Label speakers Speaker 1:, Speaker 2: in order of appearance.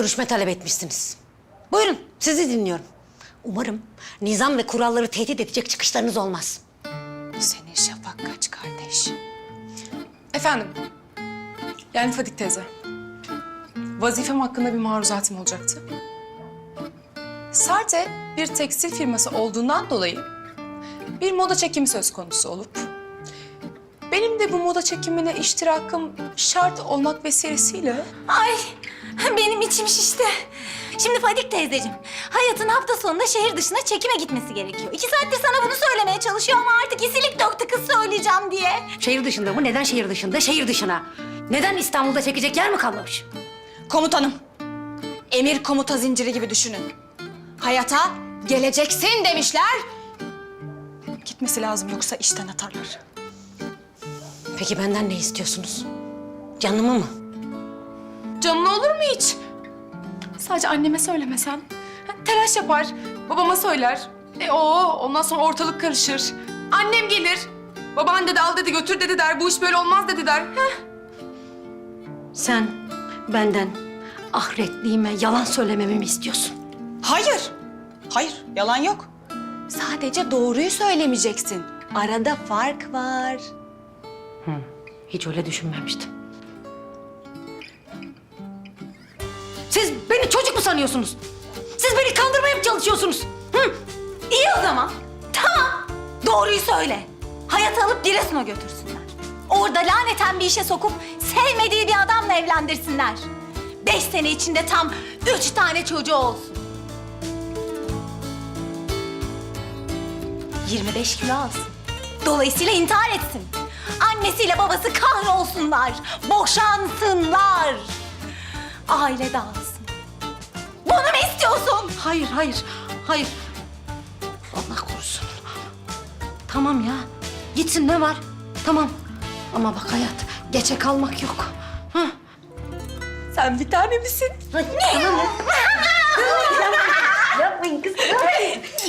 Speaker 1: görüşme talep etmişsiniz. Buyurun, sizi dinliyorum. Umarım nizam ve kuralları tehdit edecek çıkışlarınız olmaz.
Speaker 2: Senin şafak kaç kardeş? Efendim, yani Fadik teyze. Vazifem hakkında bir maruzatım olacaktı. Sarte bir tekstil firması olduğundan dolayı bir moda çekimi söz konusu olup benim de bu moda çekimine iştirakım şart olmak vesilesiyle
Speaker 3: Ay benim içim şişti. Şimdi Fadik teyzeciğim, Hayat'ın hafta sonunda şehir dışına çekime gitmesi gerekiyor. 2 saattir sana bunu söylemeye çalışıyor ama artık isilik döktü kız söyleyeceğim diye.
Speaker 1: Şehir dışında mı? Neden şehir dışında? Şehir dışına. Neden İstanbul'da çekecek yer mi kalmamış?
Speaker 3: Komutanım, emir komuta zinciri gibi düşünün. Hayat'a geleceksin demişler.
Speaker 2: gitmesi lazım yoksa işten atarlar.
Speaker 1: Peki benden ne istiyorsunuz? Canımı mı?
Speaker 2: Canın olur mu hiç? Sadece anneme söylemesen. Telaş yapar, babama söyler. Ondan sonra ortalık karışır. Annem gelir. Baban dedi al dedi götür dedi der. Bu iş böyle olmaz dedi der.
Speaker 1: Sen benden ahiretliğime yalan söylememi mi istiyorsun?
Speaker 3: Hayır, hayır yalan yok. Sadece doğruyu söylemeyeceksin. Arada fark var.
Speaker 1: Hiç öyle düşünmemiştim. Siz beni çocuk mu sanıyorsunuz? Siz beni kandırmaya mı çalışıyorsunuz?
Speaker 3: İyi o zaman. Tamam. Doğruyu söyle. Hayat'ı alıp Giresun'a götürsünler. Orada laneten bir işe sokup sevmediği bir adamla evlendirsinler. 5 sene içinde tam 3 tane çocuğu olsun. 25 kilo alsın. Dolayısıyla intihar etsin. Annesiyle babası kahrolsunlar. Boşansınlar. Aile dağılsın. Bunu mu istiyorsun?
Speaker 1: Hayır, hayır, hayır. Allah korusun. Tamam ya, gitsin ne var? Tamam. Ama bak hayat, geçe kalmak yok. Hı?
Speaker 3: Sen bir tane misin?
Speaker 1: Tamam ya. Yapmayın kızım.